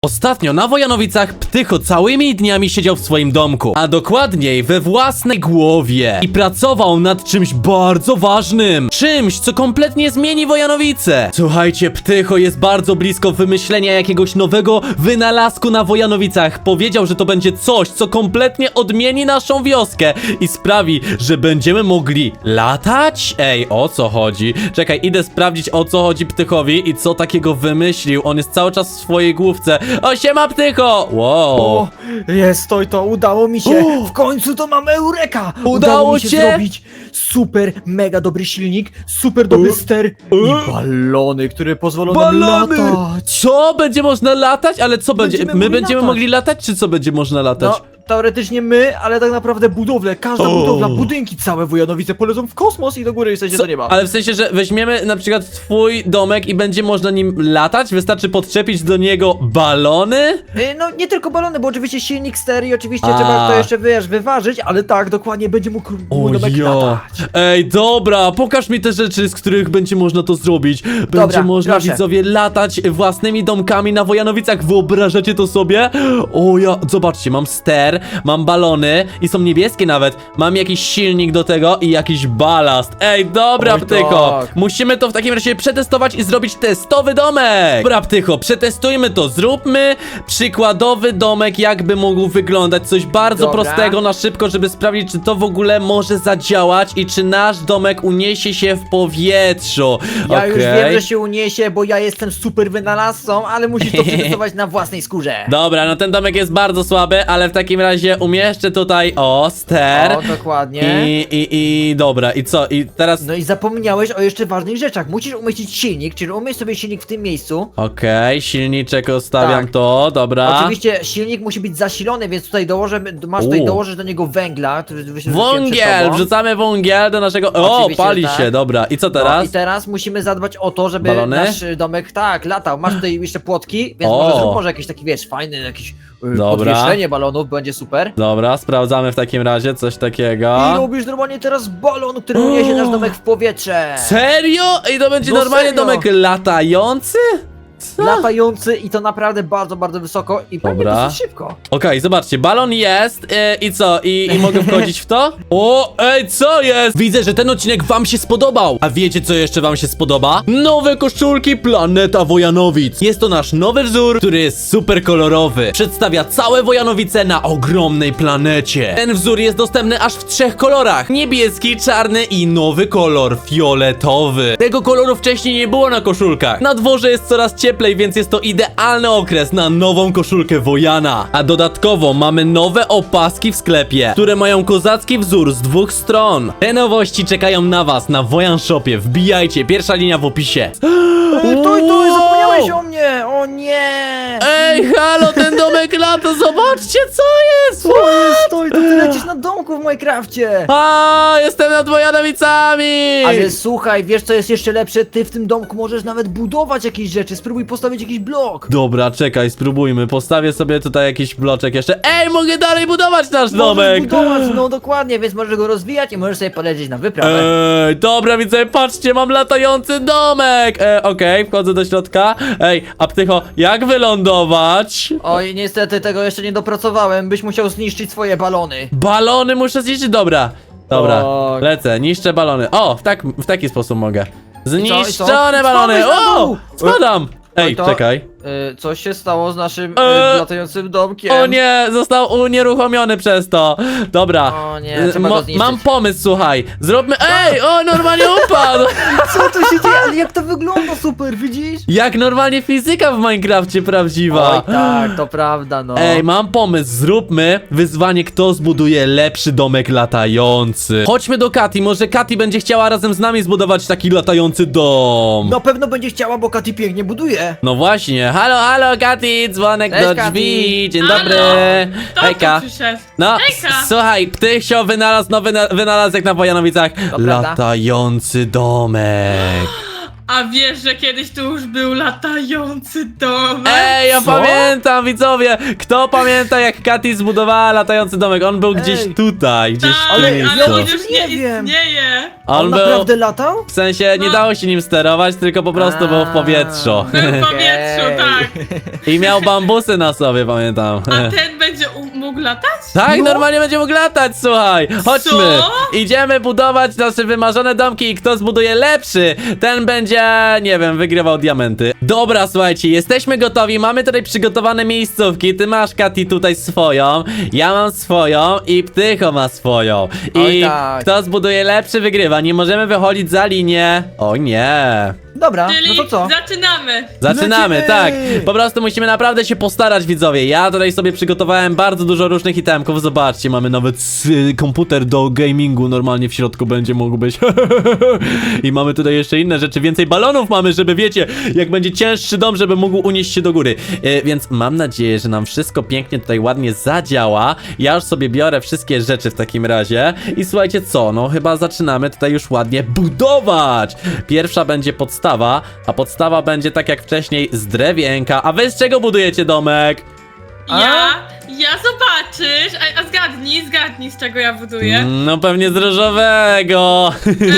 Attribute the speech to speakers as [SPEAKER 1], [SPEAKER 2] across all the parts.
[SPEAKER 1] Ostatnio na Wojanowicach Ptycho całymi dniami siedział w swoim domku, a dokładniej we własnej głowie i pracował nad czymś bardzo ważnym, czymś, co kompletnie zmieni Wojanowice. Słuchajcie, Ptycho jest bardzo blisko wymyślenia jakiegoś nowego wynalazku na Wojanowicach. Powiedział, że to będzie coś, co kompletnie odmieni naszą wioskę i sprawi, że będziemy mogli latać? Ej, o co chodzi? Czekaj, idę sprawdzić, o co chodzi Ptychowi i co takiego wymyślił. On jest cały czas w swojej główce. O, siema Ptycho! Wow!
[SPEAKER 2] O, jest to udało mi się! W końcu to mamy Eureka!
[SPEAKER 1] Udało
[SPEAKER 2] mi się
[SPEAKER 1] cię?
[SPEAKER 2] zrobić super, mega dobry silnik, super dobry ster i balony, które pozwolą nam latać!
[SPEAKER 1] Co? Będzie można latać? Ale co będzie?
[SPEAKER 2] Będziemy
[SPEAKER 1] My
[SPEAKER 2] mogli
[SPEAKER 1] będziemy
[SPEAKER 2] latać.
[SPEAKER 1] mogli latać, czy co będzie można latać?
[SPEAKER 2] No, teoretycznie my, ale tak naprawdę budowle, każda budowla, budynki, całe Wojanowice polecą w kosmos i do góry, w sensie
[SPEAKER 1] Co?
[SPEAKER 2] do nieba.
[SPEAKER 1] Ale w sensie, że weźmiemy na przykład twój domek i będzie można nim latać? Wystarczy podczepić do niego balony?
[SPEAKER 2] No, nie tylko balony, bo oczywiście silnik, ster i oczywiście
[SPEAKER 1] A.
[SPEAKER 2] trzeba to jeszcze, wiesz, wyważyć, ale tak, dokładnie będzie mógł mój domek latać.
[SPEAKER 1] Ej, dobra, pokaż mi te rzeczy, z których będzie można to zrobić. Będzie
[SPEAKER 2] Dobra,
[SPEAKER 1] można,
[SPEAKER 2] proszę.
[SPEAKER 1] widzowie, latać własnymi domkami na Wojanowicach. Wyobrażacie to sobie? O, zobaczcie, mam ster, mam balony i są niebieskie nawet. Mam jakiś silnik do tego i jakiś balast. Ej, dobra,
[SPEAKER 2] Oj,
[SPEAKER 1] Ptycho.
[SPEAKER 2] tak.
[SPEAKER 1] Musimy to w takim razie przetestować i zrobić testowy domek. Dobra, Ptycho, przetestujmy to. Zróbmy przykładowy domek, jakby mógł wyglądać. Coś bardzo
[SPEAKER 2] Dobra.
[SPEAKER 1] prostego na szybko, żeby sprawdzić, czy to w ogóle może zadziałać i czy nasz domek uniesie się w powietrzu.
[SPEAKER 2] Ja już
[SPEAKER 1] Okej.
[SPEAKER 2] wiem, że się uniesie, bo ja jestem super wynalazcą, ale musisz to przetestować na własnej skórze.
[SPEAKER 1] Dobra, no ten domek jest bardzo słaby, ale w takim razie umieszczę tutaj, ster.
[SPEAKER 2] O, dokładnie.
[SPEAKER 1] I dobra, i co? I teraz...
[SPEAKER 2] No i zapomniałeś o jeszcze ważnych rzeczach. Musisz umieścić silnik, czyli umieść sobie silnik w tym miejscu.
[SPEAKER 1] Okej, silniczek ustawiam
[SPEAKER 2] Tak.
[SPEAKER 1] to, dobra.
[SPEAKER 2] Oczywiście silnik musi być zasilony, więc tutaj masz tutaj dołożyć do niego węgla, który wyrzuciłem przed
[SPEAKER 1] Wągiel!
[SPEAKER 2] tobą.
[SPEAKER 1] Wrzucamy wągiel do naszego... O,
[SPEAKER 2] Oczywiście,
[SPEAKER 1] pali
[SPEAKER 2] tak.
[SPEAKER 1] się, dobra. I co
[SPEAKER 2] No
[SPEAKER 1] teraz?
[SPEAKER 2] i teraz musimy zadbać o to, żeby
[SPEAKER 1] Balony?
[SPEAKER 2] nasz domek, tak, latał. Masz tutaj jeszcze płotki, więc
[SPEAKER 1] O.
[SPEAKER 2] może zrób może jakiś taki, wiesz, fajny, jakiś
[SPEAKER 1] Dobra.
[SPEAKER 2] podwieszenie balonów, będzie super.
[SPEAKER 1] Dobra, sprawdzamy w takim razie coś
[SPEAKER 2] I
[SPEAKER 1] takiego.
[SPEAKER 2] robisz normalnie teraz balon, który uniesie nasz domek w powietrze.
[SPEAKER 1] Serio? I to będzie
[SPEAKER 2] No
[SPEAKER 1] normalnie
[SPEAKER 2] serio.
[SPEAKER 1] domek latający? Co?
[SPEAKER 2] Latający i to naprawdę bardzo, bardzo wysoko i pewnie
[SPEAKER 1] Dobra.
[SPEAKER 2] dosyć szybko.
[SPEAKER 1] Okej, zobaczcie, balon jest i co? I mogę wchodzić w to? O, ej, co jest? Widzę, że ten odcinek wam się spodobał. A wiecie, co jeszcze wam się spodoba? Nowe koszulki Planeta Wojanowic. Jest to nasz nowy wzór, który jest super kolorowy. Przedstawia całe Wojanowice na ogromnej planecie. Ten wzór jest dostępny aż w 3 kolorach. Niebieski, czarny i nowy kolor fioletowy. Tego koloru wcześniej nie było na koszulkach. Na dworze jest coraz cieplej, więc jest to idealny okres na nową koszulkę Wojana. A dodatkowo mamy nowe opaski w sklepie, które mają kozacki wzór z 2 stron. Te nowości czekają na was na Wojan Shopie. Wbijajcie, pierwsza linia w opisie.
[SPEAKER 2] To, zapomniałeś o mnie! O nie!
[SPEAKER 1] Ej, halo, ten domek lata, zobaczcie, co jest!
[SPEAKER 2] To ty lecisz na domku w Minecrafcie!
[SPEAKER 1] A, jestem nad Wojanowicami!
[SPEAKER 2] Ale słuchaj, wiesz co jest jeszcze lepsze? Ty w tym domku możesz nawet budować jakieś rzeczy. Spróbuj postawić jakiś blok.
[SPEAKER 1] Dobra, czekaj, spróbujmy. Postawię sobie tutaj jakiś bloczek jeszcze. Ej, mogę dalej budować nasz
[SPEAKER 2] Możesz
[SPEAKER 1] domek!
[SPEAKER 2] budować, no dokładnie, więc możesz go rozwijać i możesz sobie polecieć na wyprawę.
[SPEAKER 1] Ej, dobra, widzę, patrzcie, mam latający domek! Okej, wchodzę do środka. Ej, a Ptycho, jak wylądować?
[SPEAKER 2] Oj, niestety tego jeszcze nie dopracowałem, byś musiał zniszczyć swoje balony.
[SPEAKER 1] Balony muszę zniszczyć, dobra. Dobra,
[SPEAKER 2] Tak.
[SPEAKER 1] lecę, niszczę balony. O, w taki sposób mogę.
[SPEAKER 2] co?
[SPEAKER 1] Zniszczone balony!
[SPEAKER 2] Spadłeś na
[SPEAKER 1] O!
[SPEAKER 2] dół!
[SPEAKER 1] Spadam! Ej,
[SPEAKER 2] Oj, to-
[SPEAKER 1] czekaj.
[SPEAKER 2] Coś się stało z naszym latającym domkiem.
[SPEAKER 1] O nie, został unieruchomiony przez to. Dobra.
[SPEAKER 2] O nie, trzeba go zniszczyć.
[SPEAKER 1] Mam pomysł, słuchaj. Zróbmy... Ej, o, normalnie upadł!
[SPEAKER 2] Co tu się dzieje? Ale jak to wygląda super, widzisz?
[SPEAKER 1] Jak normalnie fizyka w Minecrafcie prawdziwa.
[SPEAKER 2] Oj tak, to prawda no.
[SPEAKER 1] Ej, mam pomysł, zróbmy wyzwanie, kto zbuduje lepszy domek latający. Chodźmy do Kati, może Kati będzie chciała razem z nami zbudować taki latający dom.
[SPEAKER 2] Na pewno będzie chciała, bo Katy pięknie buduje.
[SPEAKER 1] No właśnie, halo, halo Kati, dzwonek
[SPEAKER 2] Cześć,
[SPEAKER 1] do
[SPEAKER 2] Kati.
[SPEAKER 1] drzwi, dzień
[SPEAKER 3] Halo.
[SPEAKER 1] dobry.
[SPEAKER 3] Kto
[SPEAKER 1] Hejka.
[SPEAKER 3] tu przyszedł?
[SPEAKER 1] No,
[SPEAKER 3] Hejka.
[SPEAKER 1] słuchaj, Ptychio wynalazł nowy wynalazek na Wojanowicach.
[SPEAKER 2] prawda.
[SPEAKER 1] Latający domek.
[SPEAKER 3] A wiesz, że kiedyś tu już był latający domek?
[SPEAKER 1] Ej, ja
[SPEAKER 2] Co?
[SPEAKER 1] pamiętam, widzowie! Kto pamięta, jak Katy zbudowała latający domek? On był gdzieś
[SPEAKER 2] Ej.
[SPEAKER 1] tutaj, gdzieś
[SPEAKER 3] Tak,
[SPEAKER 1] w tym
[SPEAKER 2] ale
[SPEAKER 1] miejscu.
[SPEAKER 3] ale on już nie
[SPEAKER 2] Nie wiem.
[SPEAKER 3] istnieje.
[SPEAKER 2] On
[SPEAKER 1] On był...
[SPEAKER 2] naprawdę latał?
[SPEAKER 1] W sensie, nie dało się nim sterować, tylko po prostu był w powietrzu.
[SPEAKER 3] Był w powietrzu,
[SPEAKER 2] Okej.
[SPEAKER 3] tak.
[SPEAKER 1] I miał bambusy na sobie, pamiętam.
[SPEAKER 3] A ten będzie mógł latać?
[SPEAKER 1] Tak,
[SPEAKER 2] No.
[SPEAKER 1] normalnie będzie mógł latać, słuchaj! Chodźmy!
[SPEAKER 3] Co?
[SPEAKER 1] Idziemy budować nasze wymarzone domki i kto zbuduje lepszy, ten będzie, nie wiem, wygrywał diamenty. Dobra, słuchajcie, jesteśmy gotowi, mamy tutaj przygotowane miejscówki. Ty masz, Katy, tutaj swoją, ja mam swoją i Ptycho ma swoją.
[SPEAKER 2] Oj,
[SPEAKER 1] I
[SPEAKER 2] tak.
[SPEAKER 1] kto zbuduje lepszy, wygrywa. Nie możemy wychodzić za linię. O nie.
[SPEAKER 2] Dobra,
[SPEAKER 3] Czyli
[SPEAKER 2] no to co?
[SPEAKER 3] zaczynamy.
[SPEAKER 1] Zaczynamy,
[SPEAKER 2] Lecimy!
[SPEAKER 1] tak. Po prostu musimy naprawdę się postarać, widzowie. Ja tutaj sobie przygotowałem bardzo dużo różnych itemków. Zobaczcie, mamy nawet komputer do gamingu. Normalnie w środku będzie mógł być. I mamy tutaj jeszcze inne rzeczy. Więcej balonów mamy, żeby wiecie, jak będzie cięższy dom, żeby mógł unieść się do góry. Więc mam nadzieję, że nam wszystko pięknie tutaj ładnie zadziała. Ja już sobie biorę wszystkie rzeczy w takim razie. I słuchajcie co, no chyba zaczynamy tutaj już ładnie budować. Pierwsza będzie podstawa, a podstawa będzie tak jak wcześniej z drewienka. A wy z czego budujecie domek?
[SPEAKER 3] Ja zobaczysz. A zgadnij z czego ja buduję.
[SPEAKER 1] No pewnie z różowego.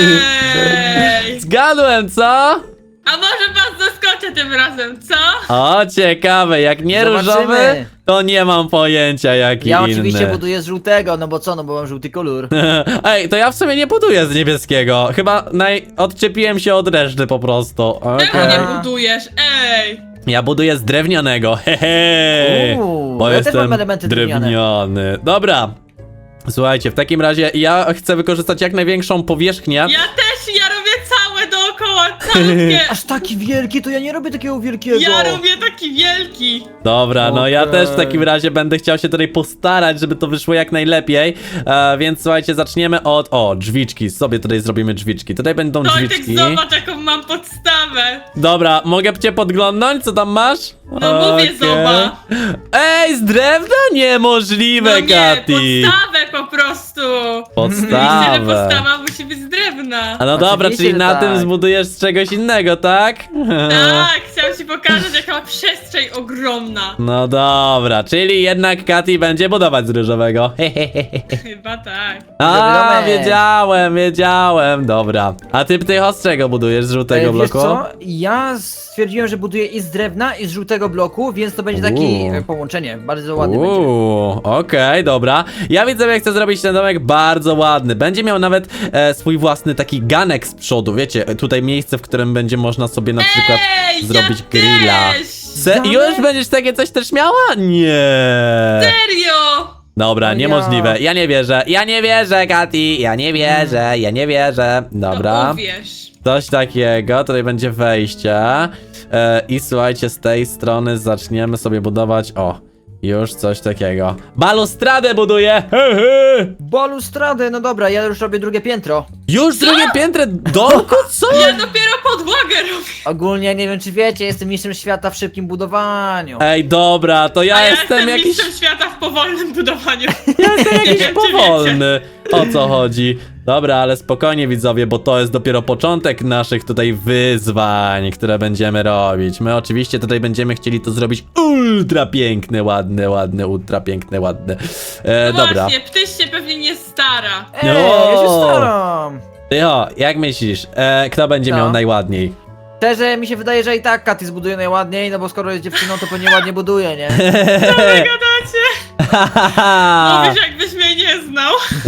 [SPEAKER 3] Ej.
[SPEAKER 1] Zgadłem, co?
[SPEAKER 3] A może was zaskoczę tym razem, co?
[SPEAKER 1] O, ciekawe, jak nie
[SPEAKER 2] Zobaczymy.
[SPEAKER 1] różowy, to nie mam pojęcia jaki
[SPEAKER 2] Ja
[SPEAKER 1] inny.
[SPEAKER 2] oczywiście buduję z żółtego, no bo co, no bo mam żółty kolor.
[SPEAKER 1] Ej, to ja w sumie nie buduję z niebieskiego. Chyba odczepiłem się od reszty po prostu.
[SPEAKER 3] Czemu
[SPEAKER 1] Okej.
[SPEAKER 3] nie budujesz? Ej.
[SPEAKER 1] Ja buduję z drewnianego, hehe. Bo
[SPEAKER 2] ja też
[SPEAKER 1] jestem
[SPEAKER 2] mam elementy drewniane.
[SPEAKER 1] drewniany. Dobra. Słuchajcie, w takim razie ja chcę wykorzystać jak największą powierzchnię.
[SPEAKER 3] Ja też, ja robię całe dookoła, całe.
[SPEAKER 2] Aż taki wielki, to ja nie robię takiego wielkiego.
[SPEAKER 3] Ja robię taki wielki.
[SPEAKER 1] Dobra, no ja
[SPEAKER 2] Okej.
[SPEAKER 1] też w takim razie będę chciał się tutaj postarać, żeby to wyszło jak najlepiej. Więc słuchajcie, zaczniemy od... O, drzwiczki, sobie tutaj zrobimy drzwiczki. Tutaj będą
[SPEAKER 3] Tojtek,
[SPEAKER 1] drzwiczki.
[SPEAKER 3] zobacz jaką mam podstawę.
[SPEAKER 1] Dobra, mogę cię podglądnąć? Co tam masz?
[SPEAKER 3] No mówię,
[SPEAKER 1] Okej.
[SPEAKER 3] zobacz.
[SPEAKER 1] Ej, z drewna? Niemożliwe,
[SPEAKER 3] No nie,
[SPEAKER 1] Katy.
[SPEAKER 3] podstawę po prostu. Oczywiście, że
[SPEAKER 1] Podstawę.
[SPEAKER 3] podstawa musi być z drewna.
[SPEAKER 1] A no dobra,
[SPEAKER 2] Oczywiście,
[SPEAKER 1] czyli
[SPEAKER 2] że
[SPEAKER 1] na
[SPEAKER 2] tak.
[SPEAKER 1] tym zbudujesz z czegoś innego, tak?
[SPEAKER 3] Tak, chciałam ci pokazać jaka przestrzeń ogromna.
[SPEAKER 1] No dobra, czyli jednak Katy będzie budować z różowego.
[SPEAKER 3] Chyba tak.
[SPEAKER 1] A,
[SPEAKER 2] Zrobione.
[SPEAKER 1] wiedziałem, dobra. A ty, Ptycho, z czego budujesz? Z żółtego
[SPEAKER 2] Wiesz
[SPEAKER 1] bloku?
[SPEAKER 2] co? Ja stwierdziłem, że buduję i z drewna, i z żółtego bloku, więc to będzie takie połączenie. Bardzo ładne będzie.
[SPEAKER 1] Okej, dobra. Ja widzę, jak chcę zrobić ten domek bardzo ładny. Będzie miał nawet swój własny taki ganek z przodu, wiecie, tutaj miejsce, w którym będzie można sobie na przykład
[SPEAKER 3] Ej,
[SPEAKER 1] zrobić
[SPEAKER 3] ja
[SPEAKER 1] grilla.
[SPEAKER 3] Też.
[SPEAKER 2] Ganek?
[SPEAKER 1] Już będziesz takie coś też miała? Nie.
[SPEAKER 3] Serio?
[SPEAKER 1] Dobra,
[SPEAKER 2] O
[SPEAKER 1] niemożliwe. Ja nie wierzę, Katy. Ja nie wierzę. Dobra.
[SPEAKER 3] No uwierz.
[SPEAKER 1] Coś takiego, tutaj będzie wejście. I słuchajcie, z tej strony zaczniemy sobie budować. O, już coś takiego. Balustradę buduję!
[SPEAKER 2] Balustradę, no dobra, ja już robię drugie piętro.
[SPEAKER 1] Już drugie piętro domku? Co?
[SPEAKER 3] Ja dopiero podłogę robię.
[SPEAKER 2] Ogólnie nie wiem czy wiecie, jestem mistrzem świata w szybkim budowaniu.
[SPEAKER 1] Ej, dobra, to
[SPEAKER 3] A
[SPEAKER 1] ja
[SPEAKER 3] ja
[SPEAKER 1] jestem jakiś.
[SPEAKER 3] mistrzem świata w powolnym budowaniu.
[SPEAKER 1] Ja jestem
[SPEAKER 3] Nie
[SPEAKER 1] jakiś
[SPEAKER 3] wiem, czy
[SPEAKER 1] powolny. O co chodzi? Dobra, ale spokojnie, widzowie, bo to jest dopiero początek naszych tutaj wyzwań, które będziemy robić. My oczywiście tutaj będziemy chcieli to zrobić ultra piękne, ładne, ultra piękne, ładne.
[SPEAKER 3] No
[SPEAKER 1] Dobra.
[SPEAKER 3] właśnie, ptyś się pewnie nie stara.
[SPEAKER 2] Ej, ja się staram.
[SPEAKER 1] Tycho, jak myślisz, kto będzie
[SPEAKER 2] No.
[SPEAKER 1] miał najładniej?
[SPEAKER 2] Szczerze, mi się wydaje, że i tak Katy zbuduje najładniej, no bo skoro jest dziewczyną, to pewnie ładnie buduje, nie?
[SPEAKER 3] Gadacie? Mówisz jakbyś mnie nie znał.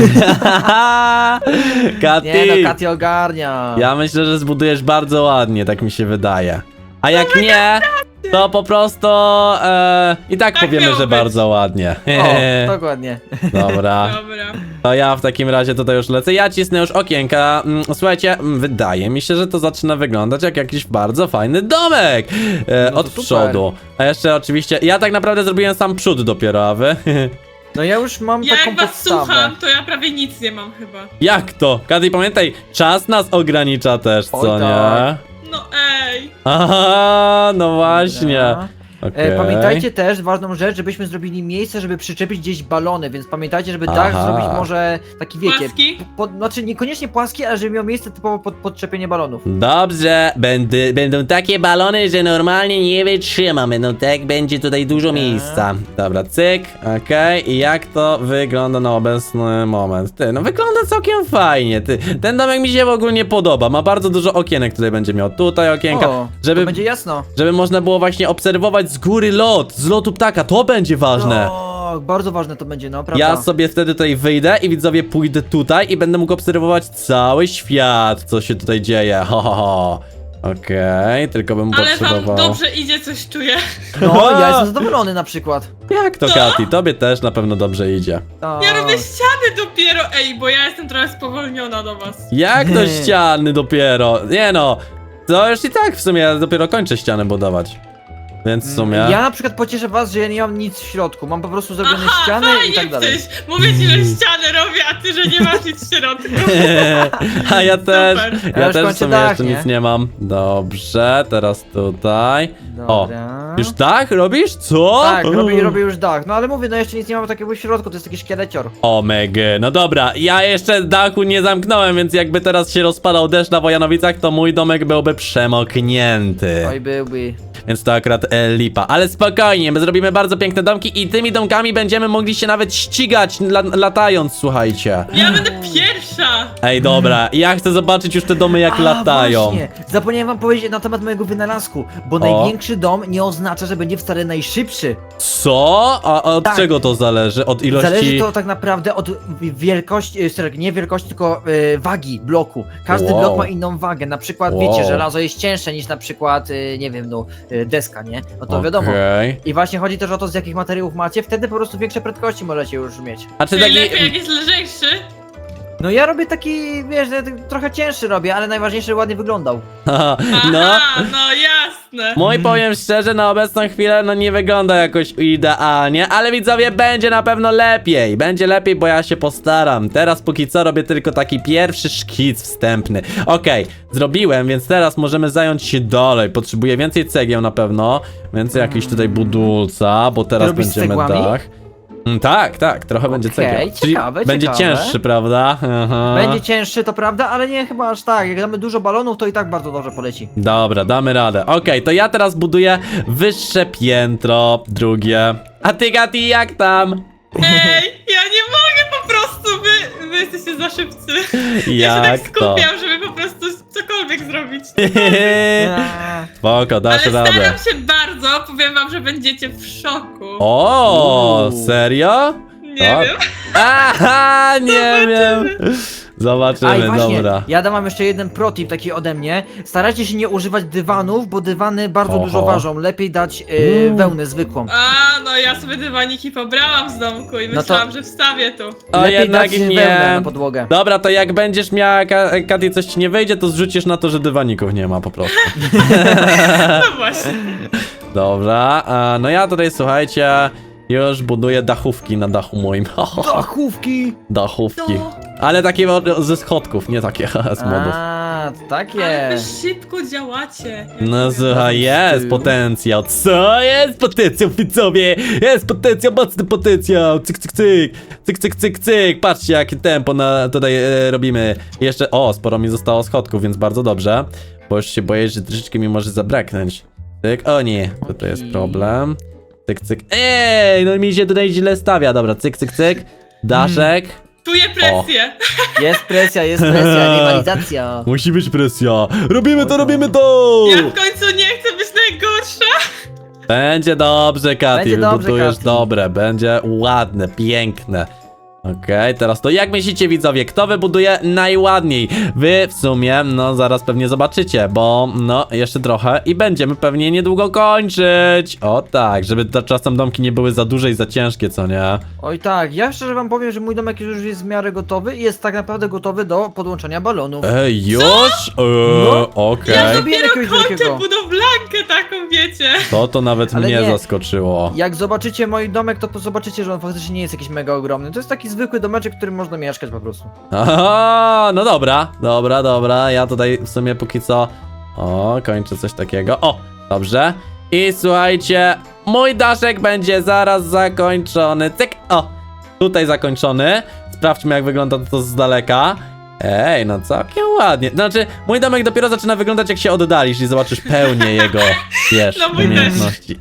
[SPEAKER 1] Katy,
[SPEAKER 2] Nie no, Katy ogarnia.
[SPEAKER 1] ja myślę, że zbudujesz bardzo ładnie, tak mi się wydaje. A jak nie, to po prostu i tak
[SPEAKER 3] Tak
[SPEAKER 1] powiemy,
[SPEAKER 3] miało
[SPEAKER 1] że
[SPEAKER 3] być.
[SPEAKER 1] bardzo ładnie.
[SPEAKER 2] O, dokładnie.
[SPEAKER 1] Dobra.
[SPEAKER 3] Dobra.
[SPEAKER 1] To ja w takim razie tutaj już lecę. Ja cisnę już okienka. Słuchajcie, wydaje mi się, że to zaczyna wyglądać jak jakiś bardzo fajny domek.
[SPEAKER 2] No to
[SPEAKER 1] Od
[SPEAKER 2] super.
[SPEAKER 1] przodu. A jeszcze oczywiście, ja tak naprawdę zrobiłem sam przód dopiero, a wy?
[SPEAKER 2] No ja już mam
[SPEAKER 3] Ja
[SPEAKER 2] taką
[SPEAKER 3] jak was
[SPEAKER 2] podstawę.
[SPEAKER 3] słucham, to ja prawie nic nie mam chyba.
[SPEAKER 1] Jak to? Katy, pamiętaj, czas nas ogranicza też,
[SPEAKER 2] Oj,
[SPEAKER 1] co nie?
[SPEAKER 2] tak.
[SPEAKER 3] No ej.
[SPEAKER 1] Aha, no właśnie.
[SPEAKER 2] Dobra.
[SPEAKER 1] Okej.
[SPEAKER 2] Pamiętajcie też ważną rzecz, żebyśmy zrobili miejsce, żeby przyczepić gdzieś balony, więc pamiętajcie, żeby dach
[SPEAKER 1] Aha.
[SPEAKER 2] zrobić może taki, wiecie,
[SPEAKER 3] Płaski?
[SPEAKER 2] znaczy niekoniecznie płaski, ale żeby miał miejsce typowo pod podczepienie balonów.
[SPEAKER 1] Dobrze, będą takie balony, że normalnie nie wytrzymamy. No tak, będzie tutaj dużo miejsca. Dobra, cyk, okej. I jak to wygląda na obecny moment? Ty, no wygląda całkiem fajnie, ty. Ten domek mi się w ogóle nie podoba. Ma bardzo dużo okienek tutaj będzie miał. Tutaj okienka,
[SPEAKER 2] O,
[SPEAKER 1] żeby,
[SPEAKER 2] to będzie jasno.
[SPEAKER 1] żeby można było właśnie obserwować z góry lot, z lotu ptaka. To będzie ważne.
[SPEAKER 2] O, bardzo ważne to będzie, no, prawda?
[SPEAKER 1] Ja sobie wtedy tutaj wyjdę i widzowie pójdę tutaj i będę mógł obserwować cały świat, co się tutaj dzieje. Ho, ho, ho. Okej, tylko bym
[SPEAKER 3] Ale wam
[SPEAKER 1] potrzebował...
[SPEAKER 3] dobrze idzie, coś czuję.
[SPEAKER 2] No, ja jestem zadowolony na przykład.
[SPEAKER 1] Jak to, Kati? Tobie też na pewno dobrze idzie.
[SPEAKER 2] Tak.
[SPEAKER 3] Ja robię ściany dopiero, bo ja jestem trochę spowolniona do was.
[SPEAKER 1] Jak to ściany dopiero? Nie no, to już i tak w sumie ja dopiero kończę ścianę budować. Więc w sumie...
[SPEAKER 2] Ja na przykład pocieszę was, że ja nie mam nic w środku. Mam po prostu zrobione
[SPEAKER 3] Aha,
[SPEAKER 2] ściany
[SPEAKER 3] fajnie
[SPEAKER 2] i tak dalej.
[SPEAKER 3] Tyś. Mówię ci, że ściany robię, a ty, że nie masz nic w środku.
[SPEAKER 1] A ja też,
[SPEAKER 3] Super.
[SPEAKER 2] Ja
[SPEAKER 1] ja
[SPEAKER 2] już
[SPEAKER 1] też w
[SPEAKER 2] kończę
[SPEAKER 1] sumie
[SPEAKER 2] dach,
[SPEAKER 1] jeszcze
[SPEAKER 2] nie?
[SPEAKER 1] nic nie mam. Dobrze, teraz tutaj. O,
[SPEAKER 2] Dobra.
[SPEAKER 1] już dach robisz? Co?
[SPEAKER 2] Tak, robię już dach. No ale mówię, no jeszcze nic nie mam takiego w środku, to jest taki szkielecior.
[SPEAKER 1] Omega, no dobra, ja jeszcze dachu nie zamknąłem, więc jakby teraz się rozpadał deszcz na Wojanowicach, to mój domek byłby przemoknięty.
[SPEAKER 2] Oj, byłby.
[SPEAKER 1] Więc to akurat lipa. Ale spokojnie, my zrobimy bardzo piękne domki i tymi domkami będziemy mogli się nawet ścigać latając, słuchajcie.
[SPEAKER 3] Ja będę pierwsza.
[SPEAKER 1] Ej, dobra, ja chcę zobaczyć już te domy jak
[SPEAKER 2] A,
[SPEAKER 1] latają.
[SPEAKER 2] Właśnie. Zapomniałem wam powiedzieć na temat mojego wynalazku, bo największy dom nie oznacza, że będzie wcale najszybszy.
[SPEAKER 1] Co? A od
[SPEAKER 2] Tak.
[SPEAKER 1] czego to zależy? Od ilości...
[SPEAKER 2] Zależy to tak naprawdę od wielkości, nie wielkości, tylko wagi bloku. Każdy
[SPEAKER 1] Wow.
[SPEAKER 2] blok ma inną wagę. Na przykład,
[SPEAKER 1] Wow.
[SPEAKER 2] wiecie, żelazo jest cięższe niż na przykład, nie wiem, no, deska, nie? No to wiadomo.
[SPEAKER 1] Okej.
[SPEAKER 2] I właśnie chodzi też o to, z jakich materiałów macie, wtedy po prostu większe prędkości możecie już mieć.
[SPEAKER 1] A czy
[SPEAKER 3] Czyli
[SPEAKER 1] taki...
[SPEAKER 3] lepiej jak jest lżejszy.
[SPEAKER 2] No ja robię taki, wiesz, ja tak trochę cięższy robię, ale najważniejsze, żeby ładnie wyglądał.
[SPEAKER 1] no,
[SPEAKER 3] Aha, no jasne.
[SPEAKER 1] mój powiem szczerze, na obecną chwilę no nie wygląda jakoś idealnie, ale widzowie będzie na pewno lepiej. Będzie lepiej, bo ja się postaram. Teraz póki co robię tylko taki pierwszy szkic wstępny. Okej, zrobiłem, więc teraz możemy zająć się dalej. Potrzebuję więcej cegieł na pewno, więcej jakiś tutaj budulca, bo teraz
[SPEAKER 2] robisz z
[SPEAKER 1] będziemy
[SPEAKER 2] cegłami?
[SPEAKER 1] dach. Tak, trochę będzie cegieł. Czyli
[SPEAKER 2] ciekawe,
[SPEAKER 1] będzie
[SPEAKER 2] ciekawe.
[SPEAKER 1] cięższy, prawda? Aha.
[SPEAKER 2] Będzie cięższy, to prawda, ale nie chyba aż tak. Jak damy dużo balonów, to i tak bardzo dobrze poleci.
[SPEAKER 1] Dobra, damy radę. Okej, to ja teraz buduję wyższe piętro, drugie. A ty, Gati, jak tam?
[SPEAKER 3] Ej, ja nie mogę po prostu, wy jesteście za szybcy. Ja się
[SPEAKER 1] Jak
[SPEAKER 3] tak
[SPEAKER 1] to?
[SPEAKER 3] skupiam, żeby po prostu cokolwiek zrobić.
[SPEAKER 1] Spoko, dasz
[SPEAKER 3] Ale
[SPEAKER 1] radę.
[SPEAKER 3] staram się bardzo, powiem wam, że będziecie w szoku.
[SPEAKER 1] O, serio?
[SPEAKER 3] Nie
[SPEAKER 1] o.
[SPEAKER 3] wiem.
[SPEAKER 1] Aha, nie wiem.
[SPEAKER 2] A i
[SPEAKER 1] Zobaczymy,
[SPEAKER 2] właśnie,
[SPEAKER 1] dobra.
[SPEAKER 2] ja dam wam jeszcze jeden protip taki ode mnie. Starajcie się nie używać dywanów, bo dywany bardzo
[SPEAKER 1] Oho.
[SPEAKER 2] dużo ważą. Lepiej dać wełnę zwykłą.
[SPEAKER 3] A, no ja sobie dywaniki pobrałam z domku i
[SPEAKER 2] No to-
[SPEAKER 3] myślałam, że wstawię tu.
[SPEAKER 1] O,
[SPEAKER 2] Lepiej
[SPEAKER 1] jednak
[SPEAKER 2] dać wełnę
[SPEAKER 1] nie.
[SPEAKER 2] na podłogę.
[SPEAKER 1] Dobra, to jak będziesz miała, Katy, coś ci nie wyjdzie, to zrzucisz na to, że dywaników nie ma po prostu.
[SPEAKER 3] No właśnie.
[SPEAKER 1] Dobra, no ja tutaj, słuchajcie, już buduję dachówki na dachu moim.
[SPEAKER 2] Dachówki!
[SPEAKER 1] Dachówki.
[SPEAKER 3] No.
[SPEAKER 1] Ale takie ze schodków, nie takie z modów.
[SPEAKER 2] A, to
[SPEAKER 3] Ale
[SPEAKER 2] takie.
[SPEAKER 3] wy szybko działacie.
[SPEAKER 1] No słuchaj, jest
[SPEAKER 2] tył.
[SPEAKER 1] potencjał. Co? Jest potencjał, widzowie! Jest potencjał, mocny potencjał! Cyk, cyk, cyk! Cyk, cyk, cyk, cyk! Patrzcie, jakie tempo tutaj robimy. Jeszcze, sporo mi zostało schodków, więc bardzo dobrze. Bo już się boję, że troszeczkę mi może zabraknąć. Cyk, o nie, tutaj jest problem. Cyk, cyk. Ej, no mi się tutaj źle stawia. Dobra, cyk, cyk, cyk. Daszek.
[SPEAKER 3] Czuję presję.
[SPEAKER 2] Jest presja, rywalizacja.
[SPEAKER 1] Musi być presja. Robimy to, robimy to!
[SPEAKER 3] Ja w końcu nie chcę być najgorsza.
[SPEAKER 1] Będzie dobrze, Katy,
[SPEAKER 2] Będzie dobrze,
[SPEAKER 1] wybudujesz
[SPEAKER 2] Katy.
[SPEAKER 1] dobre, będzie ładne, piękne. Okej, teraz to jak myślicie, widzowie, kto wybuduje najładniej? Wy w sumie, no zaraz pewnie zobaczycie, bo no jeszcze trochę i będziemy pewnie niedługo kończyć. O tak, żeby czasem domki nie były za duże i za ciężkie, co nie?
[SPEAKER 2] Oj tak, ja szczerze wam powiem, że mój domek już jest w miarę gotowy i jest tak naprawdę gotowy do podłączenia balonów.
[SPEAKER 1] Ej, już?
[SPEAKER 2] No.
[SPEAKER 1] Okej.
[SPEAKER 3] Ja
[SPEAKER 2] Zrobiłem
[SPEAKER 3] dopiero
[SPEAKER 2] jakiegoś
[SPEAKER 3] kończę
[SPEAKER 2] wielkiego.
[SPEAKER 3] budowlankę taką, wiecie.
[SPEAKER 1] To nawet
[SPEAKER 2] Ale
[SPEAKER 1] mnie
[SPEAKER 2] nie.
[SPEAKER 1] zaskoczyło.
[SPEAKER 2] Jak zobaczycie mój domek, to zobaczycie, że on faktycznie nie jest jakiś mega ogromny. To jest taki zwykły domeczek, w którym można mieszkać po prostu.
[SPEAKER 1] Aha, no dobra, ja tutaj w sumie póki co, kończę coś takiego, dobrze, I słuchajcie, mój daszek będzie zaraz zakończony. Cyk, o, tutaj zakończony. Sprawdźmy, jak wygląda to z daleka. Ej, no całkiem ładnie. Znaczy, mój domek dopiero zaczyna wyglądać, jak się oddalisz i zobaczysz pełnię jego, wiesz,
[SPEAKER 3] No mój też.
[SPEAKER 1] umiejętności.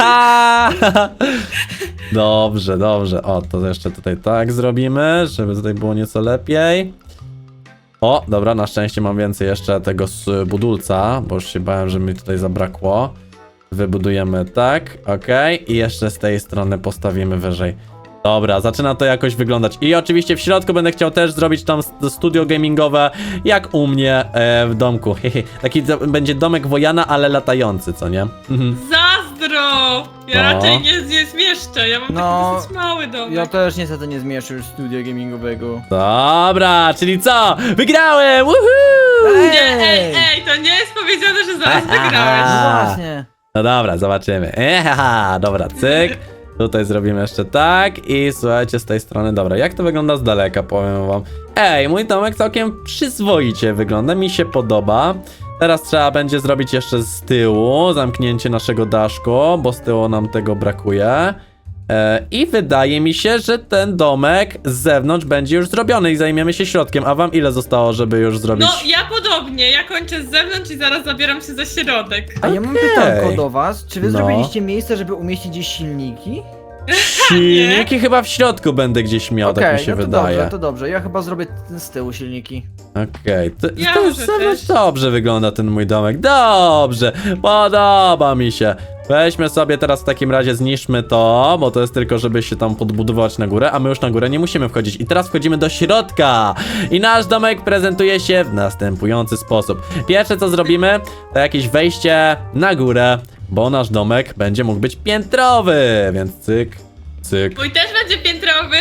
[SPEAKER 1] Dobrze, dobrze. O, to jeszcze tutaj tak zrobimy, żeby tutaj było nieco lepiej. O, dobra, na szczęście mam więcej jeszcze tego z budulca, bo już się bałem, że mi tutaj zabrakło. Wybudujemy tak, okej. I jeszcze z tej strony postawimy wyżej. Dobra, zaczyna to jakoś wyglądać. I oczywiście w środku będę chciał też zrobić tam studio gamingowe, jak u mnie w domku. Taki będzie domek Wojana, ale latający, co nie? Mhm.
[SPEAKER 3] Zazdro! Ja
[SPEAKER 1] No.
[SPEAKER 3] raczej nie zmieszczę, ja mam
[SPEAKER 2] No,
[SPEAKER 3] taki dosyć mały domek.
[SPEAKER 2] Ja też niestety nie zmieszczę już studia gamingowego.
[SPEAKER 1] Dobra, czyli co? Wygrałem! Woohoo!
[SPEAKER 3] Ej, to nie jest powiedziane, że zaraz wygrałeś.
[SPEAKER 2] No właśnie.
[SPEAKER 1] No dobra, zobaczymy. Dobra, cyk. Tutaj zrobimy jeszcze tak i słuchajcie z tej strony, dobra, jak to wygląda z daleka, powiem wam. Ej, mój domek całkiem przyzwoicie wygląda, mi się podoba. Teraz trzeba będzie zrobić jeszcze z tyłu zamknięcie naszego daszku, bo z tyłu nam tego brakuje. I wydaje mi się, że ten domek z zewnątrz będzie już zrobiony i zajmiemy się środkiem. A wam ile zostało, żeby już zrobić?
[SPEAKER 3] No, ja podobnie, ja kończę z zewnątrz i zaraz zabieram się za środek.
[SPEAKER 2] A ja mam
[SPEAKER 1] Okej.
[SPEAKER 2] pytanko do was. Czy wy
[SPEAKER 1] No.
[SPEAKER 2] zrobiliście miejsce, żeby umieścić gdzieś silniki?
[SPEAKER 1] Silniki chyba w środku będę gdzieś miał, tak mi się
[SPEAKER 2] no to
[SPEAKER 1] wydaje.
[SPEAKER 2] dobrze, to dobrze. Ja chyba zrobię z tyłu silniki.
[SPEAKER 1] Okej,
[SPEAKER 3] Ja
[SPEAKER 1] to
[SPEAKER 3] może
[SPEAKER 1] z zewnątrz
[SPEAKER 3] też.
[SPEAKER 1] dobrze wygląda ten mój domek. Dobrze, podoba mi się. Weźmy sobie teraz w takim razie, zniszczmy to, bo to jest tylko, żeby się tam podbudować na górę, a my już na górę nie musimy wchodzić. I teraz wchodzimy do środka. I nasz domek prezentuje się w następujący sposób. Pierwsze co zrobimy, to jakieś wejście na górę, bo nasz domek będzie mógł być piętrowy, więc cyk, cyk.
[SPEAKER 3] Mój też będzie piętrowy.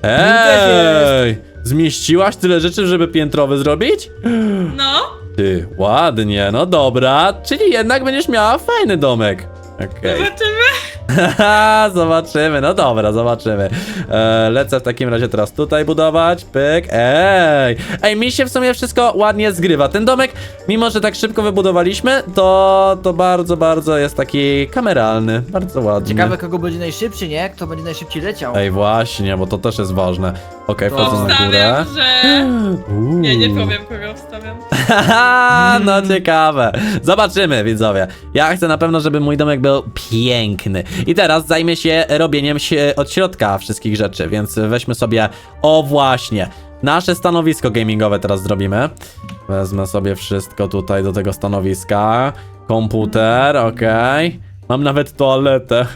[SPEAKER 1] Ej! Zmieściłaś tyle rzeczy, żeby piętrowy zrobić?
[SPEAKER 3] No,
[SPEAKER 1] Ty, ładnie, no dobra, czyli jednak będziesz miała fajny domek. Okej.
[SPEAKER 3] zobaczymy.
[SPEAKER 1] Zobaczymy, no dobra, zobaczymy. Lecę w takim razie teraz tutaj budować, pyk, ej, mi się w sumie wszystko ładnie zgrywa. Ten domek, mimo że tak szybko wybudowaliśmy, to bardzo jest taki kameralny, bardzo ładny.
[SPEAKER 2] Ciekawe, kogo będzie najszybciej, nie? Kto będzie najszybciej leciał.
[SPEAKER 1] Ej, właśnie, bo to też jest ważne. Okej,
[SPEAKER 2] To
[SPEAKER 1] wchodzę na górę.
[SPEAKER 3] Obstawiam, że... Nie powiem, kogo obstawiam.
[SPEAKER 1] Haha, no ciekawe. Zobaczymy, widzowie. Ja chcę na pewno, żeby mój domek był piękny. I teraz zajmę się robieniem od środka wszystkich rzeczy, więc weźmy sobie, o właśnie, nasze stanowisko gamingowe teraz zrobimy. Wezmę sobie wszystko tutaj do tego stanowiska. Komputer, okej. Mam nawet toaletę.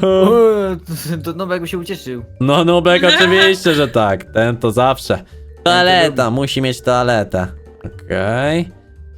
[SPEAKER 2] To no jakby się ucieszył.
[SPEAKER 1] No, Nubek, oczywiście, że tak. Ten to zawsze. Toaleta, musi mieć toaletę. Okej.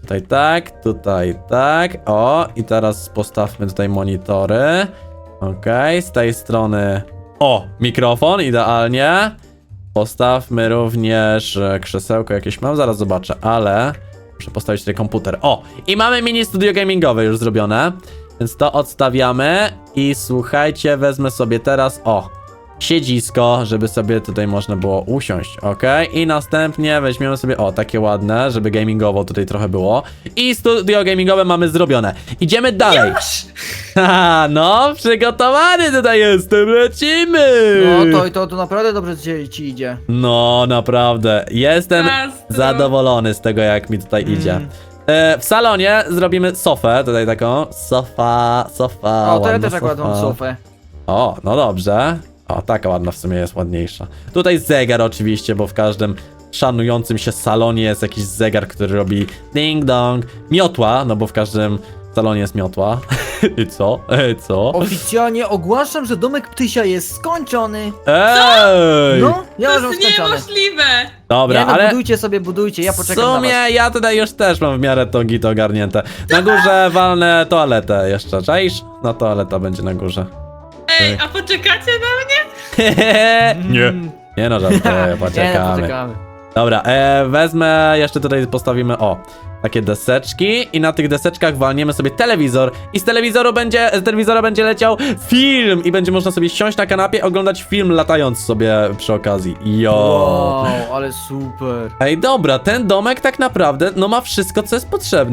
[SPEAKER 1] Tutaj tak. O, i teraz postawmy tutaj monitory. Okej, z tej strony. O, mikrofon, idealnie. Postawmy również krzesełko jakieś mam, zaraz zobaczę, ale muszę postawić tutaj komputer. O, i mamy mini studio gamingowe już zrobione. Więc to odstawiamy i słuchajcie, wezmę sobie teraz, siedzisko, żeby sobie tutaj można było usiąść, okej? I następnie weźmiemy sobie, takie ładne, żeby gamingowo tutaj trochę było. I studio gamingowe mamy zrobione. Idziemy dalej. Haha, no, przygotowany tutaj jestem, lecimy!
[SPEAKER 2] No to naprawdę dobrze ci idzie.
[SPEAKER 1] No, naprawdę, jestem
[SPEAKER 3] Zazdro.
[SPEAKER 1] zadowolony z tego, jak mi tutaj idzie. W salonie zrobimy sofę, tutaj taką, sofa,
[SPEAKER 2] O, to ja
[SPEAKER 1] ładna
[SPEAKER 2] też akurat mam
[SPEAKER 1] sofa.
[SPEAKER 2] sofę.
[SPEAKER 1] O, no dobrze. O, taka ładna w sumie jest ładniejsza. Tutaj zegar oczywiście, bo w każdym szanującym się salonie jest jakiś zegar, który robi ding dong. Miotła, no bo w każdym salonie jest miotła. I co? Co?
[SPEAKER 2] Oficjalnie ogłaszam, że domek Ptysia jest skończony.
[SPEAKER 1] Ej!
[SPEAKER 2] No, ja
[SPEAKER 3] To
[SPEAKER 2] już mam
[SPEAKER 3] jest
[SPEAKER 2] skończony.
[SPEAKER 3] niemożliwe.
[SPEAKER 1] Dobra,
[SPEAKER 2] Nie, no,
[SPEAKER 1] ale
[SPEAKER 2] budujcie sobie, budujcie, ja
[SPEAKER 1] w
[SPEAKER 2] poczekam na
[SPEAKER 1] sumie
[SPEAKER 2] was.
[SPEAKER 1] ja tutaj już też mam w miarę to git ogarnięte. Na górze walnę toaletę jeszcze, czaisz? No toaleta będzie na górze.
[SPEAKER 3] Ej, a poczekacie na mnie?
[SPEAKER 1] Nie. Nie no, żartuję,
[SPEAKER 2] Nie, no,
[SPEAKER 1] poczekamy.
[SPEAKER 2] poczekamy.
[SPEAKER 1] Dobra, wezmę, jeszcze tutaj postawimy, takie deseczki i na tych deseczkach walniemy sobie telewizor i z telewizora będzie leciał film i będzie można sobie siąść na kanapie, oglądać film latając sobie przy okazji. Jo.
[SPEAKER 2] Wow, ale super.
[SPEAKER 1] Ej, dobra, ten domek tak naprawdę, no ma wszystko, co jest potrzebne.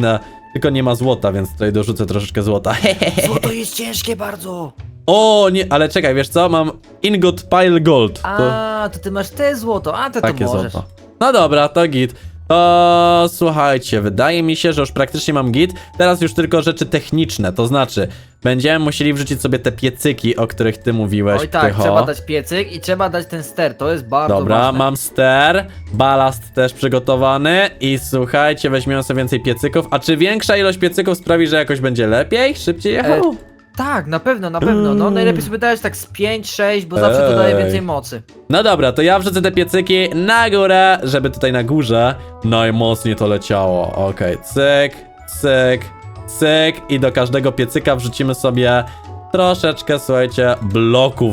[SPEAKER 1] Tylko nie ma złota, więc tutaj dorzucę troszeczkę złota.
[SPEAKER 2] Złoto jest ciężkie bardzo.
[SPEAKER 1] O, nie, ale czekaj, wiesz co? Mam ingot pile gold.
[SPEAKER 2] To ty masz te złoto, a ty to
[SPEAKER 1] Takie
[SPEAKER 2] możesz.
[SPEAKER 1] złoto. No dobra, to git. To słuchajcie, wydaje mi się, że już praktycznie mam git. Teraz już tylko rzeczy techniczne, to znaczy będziemy musieli wrzucić sobie te piecyki, o których ty mówiłeś.
[SPEAKER 2] Oj tak,
[SPEAKER 1] Pycho.
[SPEAKER 2] trzeba dać piecyk i trzeba dać ten ster, to jest bardzo
[SPEAKER 1] Dobra,
[SPEAKER 2] ważne.
[SPEAKER 1] mam ster, balast też przygotowany i słuchajcie, weźmiemy sobie więcej piecyków. A czy większa ilość piecyków sprawi, że jakoś będzie lepiej? Szybciej jechał?
[SPEAKER 2] Tak, na pewno, na pewno. No najlepiej sobie dać tak z 5-6, bo zawsze to daje
[SPEAKER 1] Ej.
[SPEAKER 2] więcej mocy.
[SPEAKER 1] No dobra, to ja wrzucę te piecyki na górę, żeby tutaj na górze najmocniej to leciało. Okej, cyk, cyk, cyk i do każdego piecyka wrzucimy sobie troszeczkę, słuchajcie, bloków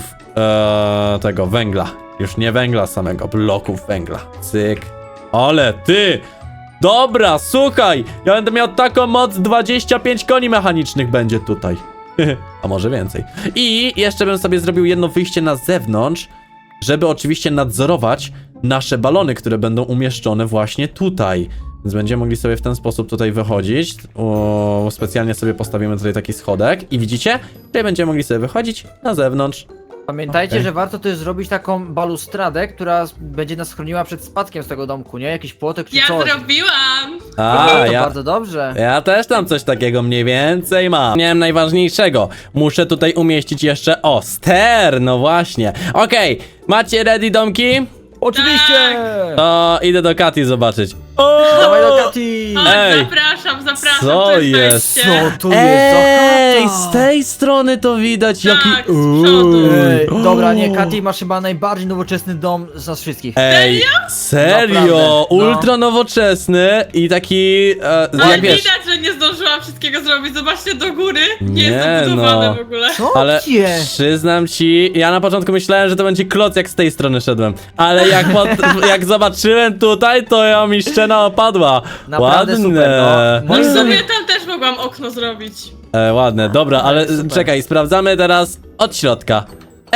[SPEAKER 1] tego węgla. Już nie węgla samego, bloków węgla. Cyk. Ale ty! Dobra, słuchaj! Ja będę miał taką moc, 25 koni mechanicznych będzie tutaj. A może więcej. I jeszcze bym sobie zrobił jedno wyjście na zewnątrz, żeby oczywiście nadzorować nasze balony, które będą umieszczone właśnie tutaj. Więc będziemy mogli sobie w ten sposób tutaj wychodzić. Specjalnie sobie postawimy tutaj taki schodek. I widzicie? Tutaj będziemy mogli sobie wychodzić na zewnątrz.
[SPEAKER 2] Pamiętajcie,
[SPEAKER 1] Okej.
[SPEAKER 2] że warto też zrobić taką balustradę, która będzie nas chroniła przed spadkiem z tego domku, nie? Jakiś płotek czy
[SPEAKER 3] Ja
[SPEAKER 2] coś.
[SPEAKER 3] zrobiłam!
[SPEAKER 1] A,
[SPEAKER 2] to
[SPEAKER 1] ja...
[SPEAKER 2] bardzo dobrze.
[SPEAKER 1] Ja też tam coś takiego mniej więcej mam. Nie wiem najważniejszego. Muszę tutaj umieścić jeszcze... O, ster! No właśnie. Okej, macie ready domki?
[SPEAKER 2] Oczywiście!
[SPEAKER 1] To idę do Kati zobaczyć. O!
[SPEAKER 2] Dawaj do Kati!
[SPEAKER 3] O,
[SPEAKER 1] Ej,
[SPEAKER 3] zapraszam,
[SPEAKER 1] co
[SPEAKER 3] to
[SPEAKER 1] jest?
[SPEAKER 3] jesteście.
[SPEAKER 2] Co to jest
[SPEAKER 1] Ej,
[SPEAKER 2] za
[SPEAKER 1] z
[SPEAKER 2] chata?
[SPEAKER 1] tej strony to widać jaki...
[SPEAKER 3] Tak, z przodu.
[SPEAKER 2] Ej, dobra, nie, Kati masz chyba najbardziej nowoczesny dom z nas wszystkich.
[SPEAKER 1] Ej, serio?
[SPEAKER 2] Naprawdę, no.
[SPEAKER 1] Ultra nowoczesny i taki...
[SPEAKER 3] Ale
[SPEAKER 1] jak wiesz...
[SPEAKER 3] widać, że nie zdążyłam wszystkiego zrobić. Zobaczcie do góry. Nie,
[SPEAKER 1] Nie,
[SPEAKER 3] jest zbudowane
[SPEAKER 1] no.
[SPEAKER 3] w ogóle.
[SPEAKER 2] Co?
[SPEAKER 1] Ale
[SPEAKER 2] Gdzie?
[SPEAKER 1] przyznam ci, ja na początku myślałem, że to będzie kloc, jak z tej strony szedłem. Ale jak zobaczyłem tutaj, to ja mi szczena opadła.
[SPEAKER 2] Naprawdę
[SPEAKER 1] Ładne.
[SPEAKER 2] super, no.
[SPEAKER 3] No
[SPEAKER 2] Moim
[SPEAKER 3] w
[SPEAKER 2] zdaniem...
[SPEAKER 3] sumie tam też mogłam okno zrobić.
[SPEAKER 1] Ładne, dobra, ale
[SPEAKER 2] super.
[SPEAKER 1] czekaj, sprawdzamy teraz od środka.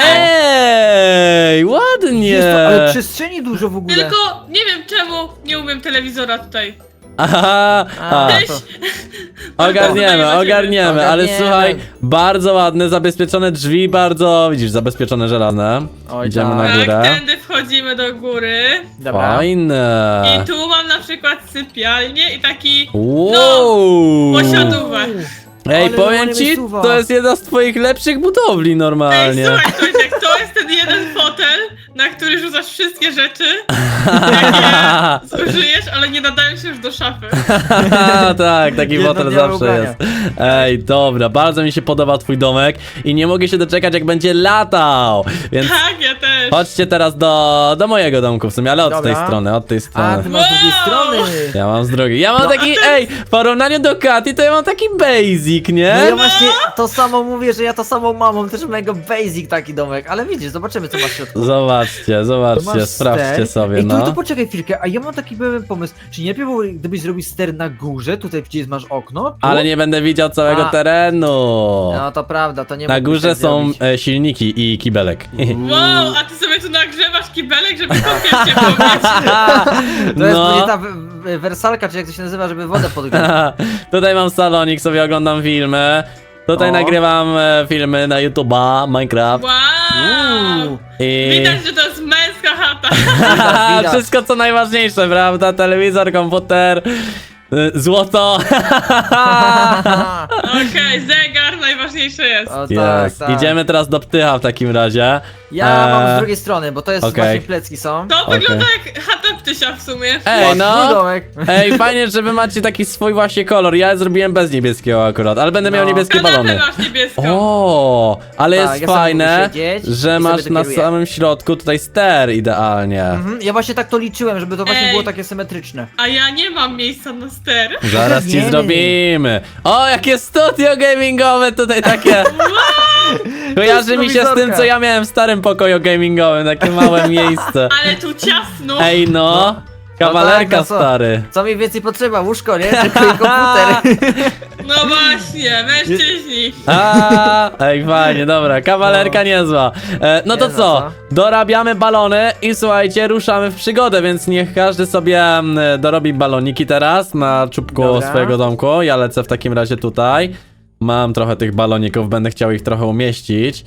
[SPEAKER 1] Ej, ładnie.
[SPEAKER 2] Jest to, ale przestrzeni dużo w ogóle.
[SPEAKER 3] Tylko nie wiem czemu nie umiem telewizora tutaj.
[SPEAKER 1] Aha,
[SPEAKER 2] A,
[SPEAKER 3] Weź.
[SPEAKER 2] to...
[SPEAKER 1] ogarniemy, ale
[SPEAKER 2] Ogarniemy.
[SPEAKER 1] słuchaj, bardzo ładne, zabezpieczone drzwi, bardzo, widzisz, zabezpieczone żelazne.
[SPEAKER 2] Oj,
[SPEAKER 1] Idziemy
[SPEAKER 2] tak.
[SPEAKER 1] na
[SPEAKER 3] Tak,
[SPEAKER 1] górę.
[SPEAKER 3] tędy wchodzimy do góry.
[SPEAKER 2] Dobra.
[SPEAKER 1] Fajne.
[SPEAKER 3] I tu mam na przykład sypialnię i taki
[SPEAKER 1] Wow.
[SPEAKER 3] posiadówę.
[SPEAKER 1] Ej,
[SPEAKER 2] Ale
[SPEAKER 1] powiem
[SPEAKER 2] ładnie
[SPEAKER 1] ci,
[SPEAKER 2] wysuwa.
[SPEAKER 1] to jest jedna z twoich lepszych budowli
[SPEAKER 3] Ej,
[SPEAKER 1] normalnie.
[SPEAKER 3] słuchaj, Tojtek, to jest ten jeden fotel, na który rzucasz wszystkie rzeczy, jakie zużyjesz, ale nie nadają się już do szafy.
[SPEAKER 1] Tak, taki
[SPEAKER 2] Jedno
[SPEAKER 1] fotel
[SPEAKER 2] nie
[SPEAKER 1] zawsze
[SPEAKER 2] ubrania.
[SPEAKER 1] jest. Ej, dobra, bardzo mi się podoba twój domek i nie mogę się doczekać, jak będzie latał. Więc
[SPEAKER 3] Tak, ja też.
[SPEAKER 1] chodźcie teraz do mojego domku w sumie, ale od
[SPEAKER 2] Dobra.
[SPEAKER 1] tej strony, od tej
[SPEAKER 2] A,
[SPEAKER 1] strony.
[SPEAKER 2] ty masz z drugiej
[SPEAKER 3] Wow!
[SPEAKER 2] strony.
[SPEAKER 1] Ja mam z drugiej. Ja mam
[SPEAKER 2] No,
[SPEAKER 1] taki, ej, w porównaniu do Katy, to ja mam taki basic, nie?
[SPEAKER 2] No ja właśnie to samo mówię, że ja to samo mam też mega basic taki domek, ale widzisz, zobaczymy co masz w środku.
[SPEAKER 1] Zobaczcie,
[SPEAKER 2] To
[SPEAKER 1] zobaczcie,
[SPEAKER 2] masz
[SPEAKER 1] sprawdźcie
[SPEAKER 2] ster.
[SPEAKER 1] sobie,
[SPEAKER 2] Ej,
[SPEAKER 1] no.
[SPEAKER 2] to poczekaj chwilkę, a ja mam taki pewien pomysł. Czy nie lepiej było, gdybyś zrobił ster na górze, tutaj gdzie masz okno? Tu?
[SPEAKER 1] Ale nie będę widział całego
[SPEAKER 2] A.
[SPEAKER 1] terenu.
[SPEAKER 2] No to prawda, to nie
[SPEAKER 1] Na
[SPEAKER 2] mógłbyś
[SPEAKER 1] górze
[SPEAKER 2] tak
[SPEAKER 1] są
[SPEAKER 2] zrobić.
[SPEAKER 1] silniki i kibelek.
[SPEAKER 3] Wow, a ty sobie tu nagrzewasz kibelek, żeby kąpiel cię pomieć.
[SPEAKER 2] To jest
[SPEAKER 1] No.
[SPEAKER 2] będzie ta wersalka, czy jak to się nazywa, żeby wodę podgrzać.
[SPEAKER 1] Tutaj mam salonik, sobie oglądam filmy. Tutaj
[SPEAKER 2] O.
[SPEAKER 1] nagrywam filmy na YouTube'a, Minecraft.
[SPEAKER 3] Wow.
[SPEAKER 1] I...
[SPEAKER 3] Widać, że to jest męska chata.
[SPEAKER 2] Widać.
[SPEAKER 1] Wszystko co najważniejsze, prawda? Telewizor, komputer, złoto.
[SPEAKER 3] Okej, zegar najważniejsze jest.
[SPEAKER 2] O,
[SPEAKER 1] Yes. Idziemy teraz do Ptycha w takim razie.
[SPEAKER 2] Ja mam z drugiej strony, bo to jest
[SPEAKER 1] okej.
[SPEAKER 2] właśnie plecki są.
[SPEAKER 3] To
[SPEAKER 1] Okej.
[SPEAKER 3] wygląda jak chata ptysia w sumie.
[SPEAKER 1] Ej,
[SPEAKER 2] Mój
[SPEAKER 1] no!
[SPEAKER 2] domek.
[SPEAKER 1] Ej, fajnie, że wy macie taki swój właśnie kolor. Ja zrobiłem bez niebieskiego akurat, ale będę miał
[SPEAKER 2] No.
[SPEAKER 1] niebieskie
[SPEAKER 3] Kanapę
[SPEAKER 1] balony.
[SPEAKER 3] masz niebieską.
[SPEAKER 1] O, ale
[SPEAKER 2] Tak,
[SPEAKER 1] jest
[SPEAKER 2] ja sobie
[SPEAKER 1] fajne,
[SPEAKER 2] mogę siedzieć i
[SPEAKER 1] że
[SPEAKER 2] sobie
[SPEAKER 1] masz
[SPEAKER 2] to
[SPEAKER 1] na
[SPEAKER 2] kieruję.
[SPEAKER 1] samym środku tutaj ster idealnie.
[SPEAKER 2] Ja właśnie tak to liczyłem, żeby to właśnie
[SPEAKER 3] Ej.
[SPEAKER 2] było takie symetryczne.
[SPEAKER 3] A ja nie mam miejsca na ster.
[SPEAKER 1] Zaraz ci
[SPEAKER 2] Ogarniemy.
[SPEAKER 1] zrobimy. O, jakie studio gamingowe tutaj takie. Kojarzy mi się z tym,
[SPEAKER 2] prowizorka.
[SPEAKER 1] co ja miałem w starym pokoju gamingowym, takie małe miejsce.
[SPEAKER 3] Ale tu ciasno.
[SPEAKER 1] Ej, no. Kawalerka,
[SPEAKER 2] no co?
[SPEAKER 1] stary.
[SPEAKER 2] Co mi więcej potrzeba? Łóżko, nie? Tylko i komputer.
[SPEAKER 3] No właśnie, mężczyźni.
[SPEAKER 1] Ej, fajnie, dobra, kawalerka niezła. No to
[SPEAKER 2] Niezła,
[SPEAKER 1] co? Dorabiamy balony i słuchajcie, ruszamy w przygodę, więc niech każdy sobie dorobi baloniki teraz na czubku
[SPEAKER 2] Dobra.
[SPEAKER 1] swojego domku. Ja lecę w takim razie tutaj. Mam trochę tych baloników, będę chciał ich trochę umieścić.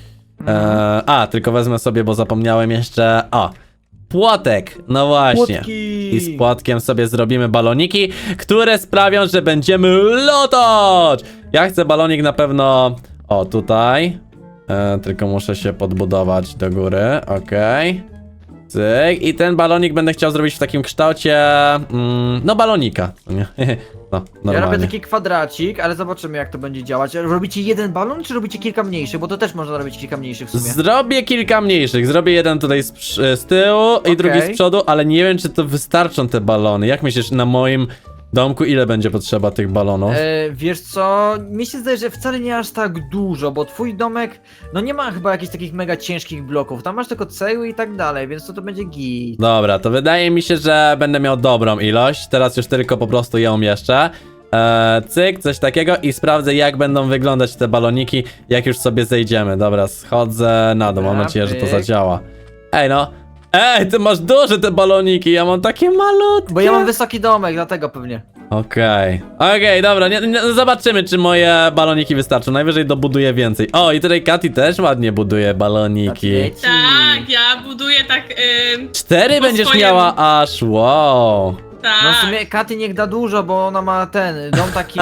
[SPEAKER 1] Tylko wezmę sobie, bo zapomniałem jeszcze. Płotek, no właśnie.
[SPEAKER 2] Płotki.
[SPEAKER 1] I z płotkiem sobie zrobimy baloniki, które sprawią, że będziemy latać. Ja chcę balonik na pewno, tutaj. Tylko muszę się podbudować do góry, okej. Cyk. I ten balonik będę chciał zrobić w takim kształcie, no balonika. No,
[SPEAKER 2] Ja
[SPEAKER 1] normalnie.
[SPEAKER 2] robię taki kwadracik, ale zobaczymy jak to będzie działać. Robicie jeden balon, czy robicie kilka mniejszych? Bo to też można robić kilka mniejszych w sumie.
[SPEAKER 1] Zrobię kilka mniejszych. Zrobię jeden tutaj z tyłu i drugi z przodu, ale nie wiem, czy to wystarczą te balony. Jak myślisz, na moim domku ile będzie potrzeba tych balonów?
[SPEAKER 2] Wiesz co, mi się zdaje, że wcale nie aż tak dużo, bo twój domek, no nie ma chyba jakichś takich mega ciężkich bloków, tam masz tylko cegły i tak dalej, więc to będzie git.
[SPEAKER 1] Dobra, to wydaje mi się, że będę miał dobrą ilość. Teraz już tylko po prostu ją umieszczę. Cyk, coś takiego i sprawdzę, jak będą wyglądać te baloniki, jak już sobie zejdziemy. Dobra, schodzę na dół, mam
[SPEAKER 2] Dobra,
[SPEAKER 1] nadzieję, że to
[SPEAKER 2] pyk.
[SPEAKER 1] zadziała. Ej no, ty masz duże te baloniki, ja mam takie malutkie.
[SPEAKER 2] Bo ja mam wysoki domek, dlatego pewnie.
[SPEAKER 1] Okej, dobra, zobaczymy, czy moje baloniki wystarczą. Najwyżej dobuduję więcej. O, i tutaj Katy też ładnie buduje baloniki.
[SPEAKER 2] Leci.
[SPEAKER 3] Tak, ja buduję tak,
[SPEAKER 1] 4
[SPEAKER 3] po
[SPEAKER 1] będziesz
[SPEAKER 3] swojemu.
[SPEAKER 1] miała aż, wow.
[SPEAKER 3] tak.
[SPEAKER 2] No w sumie Katy niech da dużo, bo ona ma ten dom taki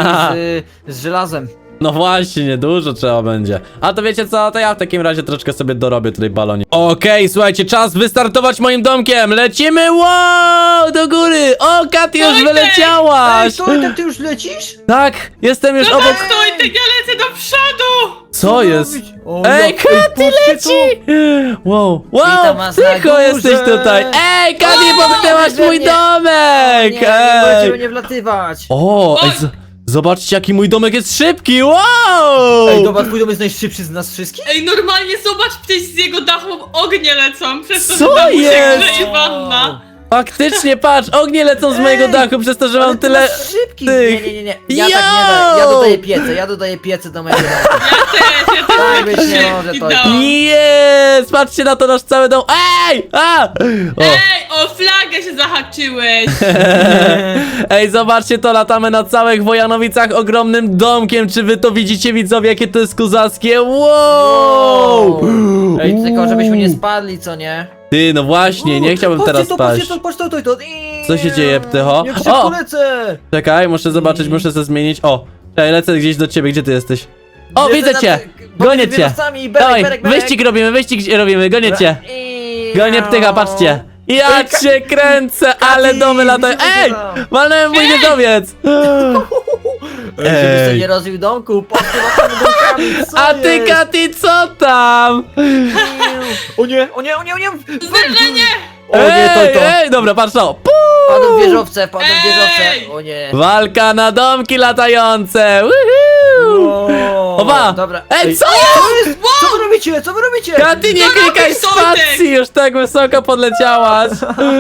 [SPEAKER 2] z żelazem.
[SPEAKER 1] No właśnie, dużo trzeba będzie. A to wiecie co, to ja w takim razie troszkę sobie dorobię tutaj balonik. Okej, słuchajcie, czas wystartować moim domkiem. Lecimy, wow, do góry. O, Katy, już
[SPEAKER 3] Wojtek!
[SPEAKER 1] wyleciałaś.
[SPEAKER 2] Tojtek, ty już lecisz?
[SPEAKER 1] Tak, jestem już
[SPEAKER 3] Zobacz,
[SPEAKER 1] obok.
[SPEAKER 3] Tojtek, ja lecę do przodu!
[SPEAKER 1] Co jest?
[SPEAKER 2] robić? O,
[SPEAKER 1] Ej,
[SPEAKER 2] jak-
[SPEAKER 1] Katy
[SPEAKER 2] patrzcie
[SPEAKER 1] leci! Wow,
[SPEAKER 2] Witam was na
[SPEAKER 1] tylko
[SPEAKER 2] górze.
[SPEAKER 1] jesteś tutaj. Ej, Katy, popchnęłaś
[SPEAKER 2] we
[SPEAKER 1] mój
[SPEAKER 2] mnie.
[SPEAKER 1] domek!
[SPEAKER 2] Nie, nie możecie mnie wlatywać.
[SPEAKER 1] Ej, zobaczcie, jaki mój domek jest szybki, wow!
[SPEAKER 2] Ej, dobra, twój dom jest najszybszy z nas wszystkich?
[SPEAKER 3] Ej, normalnie zobacz, gdzieś z jego dachu ognie lecą, przez to,
[SPEAKER 1] Co
[SPEAKER 3] że tam
[SPEAKER 1] jest?
[SPEAKER 3] się grzeje wanna.
[SPEAKER 1] Faktycznie, patrz, ognie lecą z mojego
[SPEAKER 2] Ej,
[SPEAKER 1] dachu przez to, że
[SPEAKER 2] Ale
[SPEAKER 1] mam
[SPEAKER 2] ty
[SPEAKER 1] tyle...
[SPEAKER 2] masz szybki.
[SPEAKER 1] tych.
[SPEAKER 2] Nie. Ja
[SPEAKER 1] Yo!
[SPEAKER 2] tak nie daję. Ja dodaję piece do mojego domu.
[SPEAKER 3] Ja też
[SPEAKER 2] Tak być nie
[SPEAKER 3] szybki
[SPEAKER 2] może, to
[SPEAKER 3] dom.
[SPEAKER 1] Jest! Patrzcie na to, nasz cały dom. Ej! O.
[SPEAKER 3] Ej, o flagę się zahaczyłeś!
[SPEAKER 1] Ej, zobaczcie to, latamy na całych Wojanowicach ogromnym domkiem. Czy wy to widzicie, widzowie, jakie to jest kozackie? Wow!
[SPEAKER 2] Ej, tylko żebyśmy nie spadli, co nie?
[SPEAKER 1] Ty, no właśnie, nie chciałbym teraz
[SPEAKER 2] patrzcie
[SPEAKER 1] spaść.
[SPEAKER 2] to.
[SPEAKER 1] Co się dzieje, Ptycho?
[SPEAKER 2] Jak szybko
[SPEAKER 1] O!
[SPEAKER 2] lecę!
[SPEAKER 1] Czekaj, muszę zobaczyć, muszę się zmienić. O, czekaj, lecę gdzieś do ciebie, gdzie ty jesteś? O,
[SPEAKER 2] Lecę
[SPEAKER 1] widzę
[SPEAKER 2] za-
[SPEAKER 1] cię!
[SPEAKER 2] pomiędzy
[SPEAKER 1] Gonię cię!
[SPEAKER 2] wieżowcami,
[SPEAKER 1] Dawaj,
[SPEAKER 2] berek.
[SPEAKER 1] wyścig robimy, gonię cię!
[SPEAKER 2] I-
[SPEAKER 1] Gonię Ptycha, patrzcie! Ja
[SPEAKER 2] Ej,
[SPEAKER 1] cię kręcę, ale domy latają. Ej! Walnąłem mój wieżowiec!
[SPEAKER 2] Ej, żebyś sobie nie rozbił domku, podpływamy domkami, co
[SPEAKER 1] A ty,
[SPEAKER 2] jest?
[SPEAKER 1] Katy, co tam?
[SPEAKER 2] O nie!
[SPEAKER 3] Zderzenie!
[SPEAKER 2] O nie, to.
[SPEAKER 1] Ej, dobra, patrz to!
[SPEAKER 2] Padł w wieżowce,
[SPEAKER 3] Ej!
[SPEAKER 2] O nie.
[SPEAKER 1] Walka na domki latające! Woohoo!
[SPEAKER 2] Wow.
[SPEAKER 1] Oba!
[SPEAKER 2] Dobra.
[SPEAKER 1] Ej, co jest?
[SPEAKER 2] Co wy robicie?
[SPEAKER 1] Katy, nie
[SPEAKER 3] Co
[SPEAKER 1] klikaj
[SPEAKER 3] robisz, Tojtek?
[SPEAKER 1] spacji, już tak wysoko podleciałaś.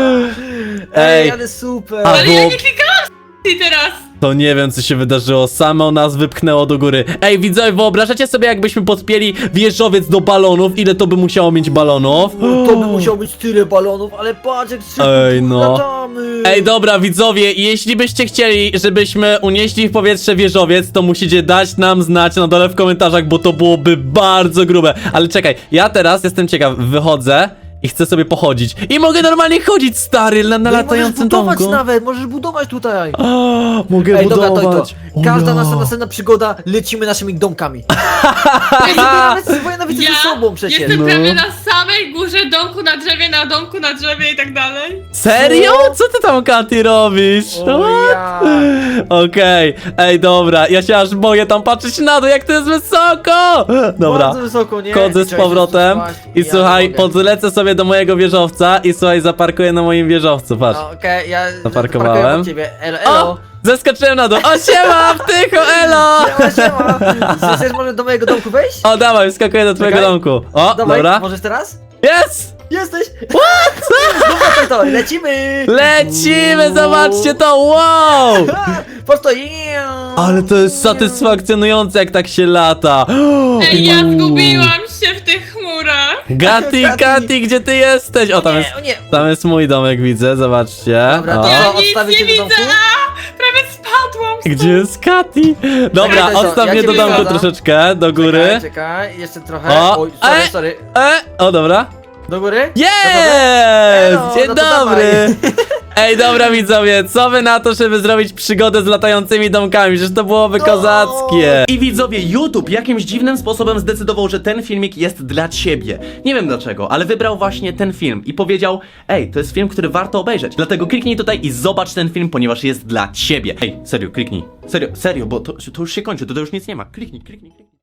[SPEAKER 2] Ej, ale super.
[SPEAKER 1] A-
[SPEAKER 3] Ale ja
[SPEAKER 1] bo-
[SPEAKER 3] nie klikałam i teraz!
[SPEAKER 1] To nie wiem, co się wydarzyło, samo nas wypchnęło do góry. Ej, widzowie, wyobrażacie sobie, jakbyśmy podpięli wieżowiec do balonów? Ile to by musiało mieć balonów?
[SPEAKER 2] To by musiało być tyle balonów, ale patrz jak szybko
[SPEAKER 1] Ej, no.
[SPEAKER 2] latamy.
[SPEAKER 1] Ej, dobra, widzowie, jeśli byście chcieli, żebyśmy unieśli w powietrze wieżowiec, to musicie dać nam znać na dole w komentarzach, bo to byłoby bardzo grube. Ale czekaj, ja teraz jestem ciekaw, wychodzę i chcę sobie pochodzić. I mogę normalnie chodzić, stary, na
[SPEAKER 2] No i
[SPEAKER 1] latającym
[SPEAKER 2] możesz budować
[SPEAKER 1] domku.
[SPEAKER 2] nawet, możesz budować tutaj.
[SPEAKER 1] Mogę
[SPEAKER 2] Ej, dobra,
[SPEAKER 1] budować.
[SPEAKER 2] to. Każda nasza następna przygoda lecimy naszymi domkami. Ej, zabieramy swoje nawice ze sobą przecież.
[SPEAKER 3] jestem
[SPEAKER 1] No.
[SPEAKER 3] prawie na samej górze domku na drzewie, na domku na drzewie i tak dalej.
[SPEAKER 1] Serio? Co ty tam, Katy, robisz?
[SPEAKER 2] O ja.
[SPEAKER 1] Okej, ej, dobra, ja się aż boję tam patrzeć na dół, jak to jest wysoko! Dobra,
[SPEAKER 2] Bardzo wysoko, nie?
[SPEAKER 1] chodzę z
[SPEAKER 2] Trzeba się
[SPEAKER 1] powrotem
[SPEAKER 2] zatrzymać.
[SPEAKER 1] i
[SPEAKER 2] Ja
[SPEAKER 1] słuchaj,
[SPEAKER 2] nie mogę.
[SPEAKER 1] podlecę sobie do mojego wieżowca i słuchaj, zaparkuję na moim wieżowcu, patrz.
[SPEAKER 2] No, Okej, ja
[SPEAKER 1] Zaparkowałem.
[SPEAKER 2] zaparkuję obok ciebie. Elo,
[SPEAKER 1] O!
[SPEAKER 2] elo.
[SPEAKER 1] Zeskoczyłem na dół, o siema, Ptycho, elo!
[SPEAKER 2] Siema. Chcesz może do mojego domku wejść?
[SPEAKER 1] O, dawaj, wskakuję do twojego
[SPEAKER 2] Czekaj.
[SPEAKER 1] domku. O,
[SPEAKER 2] Dawaj,
[SPEAKER 1] dobra,
[SPEAKER 2] możesz teraz?
[SPEAKER 1] jest!
[SPEAKER 2] Jesteś! What? No to, lecimy!
[SPEAKER 1] Lecimy, zobaczcie to, wow!
[SPEAKER 2] Patrz to,
[SPEAKER 1] Ale to jest satysfakcjonujące, jak tak się lata.
[SPEAKER 3] Ej, ja zgubiłam się w tych chmurach.
[SPEAKER 1] Gati, Gati, gdzie ty jesteś? O,
[SPEAKER 2] O nie!
[SPEAKER 1] tam jest mój domek, widzę, zobaczcie.
[SPEAKER 2] Dobra,
[SPEAKER 1] O.
[SPEAKER 2] to-
[SPEAKER 3] Ja
[SPEAKER 2] Co,
[SPEAKER 3] nic
[SPEAKER 2] odstawię
[SPEAKER 3] nie
[SPEAKER 2] cię do
[SPEAKER 3] widzę,
[SPEAKER 2] domku?
[SPEAKER 3] prawie spadłam.
[SPEAKER 1] Gdzie jest Kati? Dobra,
[SPEAKER 2] Czekaj, to co,
[SPEAKER 1] odstaw
[SPEAKER 2] ja
[SPEAKER 1] mnie
[SPEAKER 2] cię
[SPEAKER 1] do domku
[SPEAKER 2] wysadzam.
[SPEAKER 1] troszeczkę, do góry.
[SPEAKER 2] Czekaj, jeszcze trochę.
[SPEAKER 1] O,
[SPEAKER 2] Oj, sorry.
[SPEAKER 1] O, dobra.
[SPEAKER 2] Do góry?
[SPEAKER 1] Jest!
[SPEAKER 2] Elo,
[SPEAKER 1] Dzień
[SPEAKER 2] no to
[SPEAKER 1] dobry! Ej, dobra widzowie, co wy na to, żeby zrobić przygodę z latającymi domkami? Przecież to byłoby kozackie! I widzowie, YouTube jakimś dziwnym sposobem zdecydował, że ten filmik jest dla ciebie. Nie wiem dlaczego, ale wybrał właśnie ten film i powiedział: ej, to jest film, który warto obejrzeć. Dlatego kliknij tutaj i zobacz ten film, ponieważ jest dla ciebie. Ej, serio, kliknij. Serio, bo to już się kończy, to już nic nie ma. Kliknij.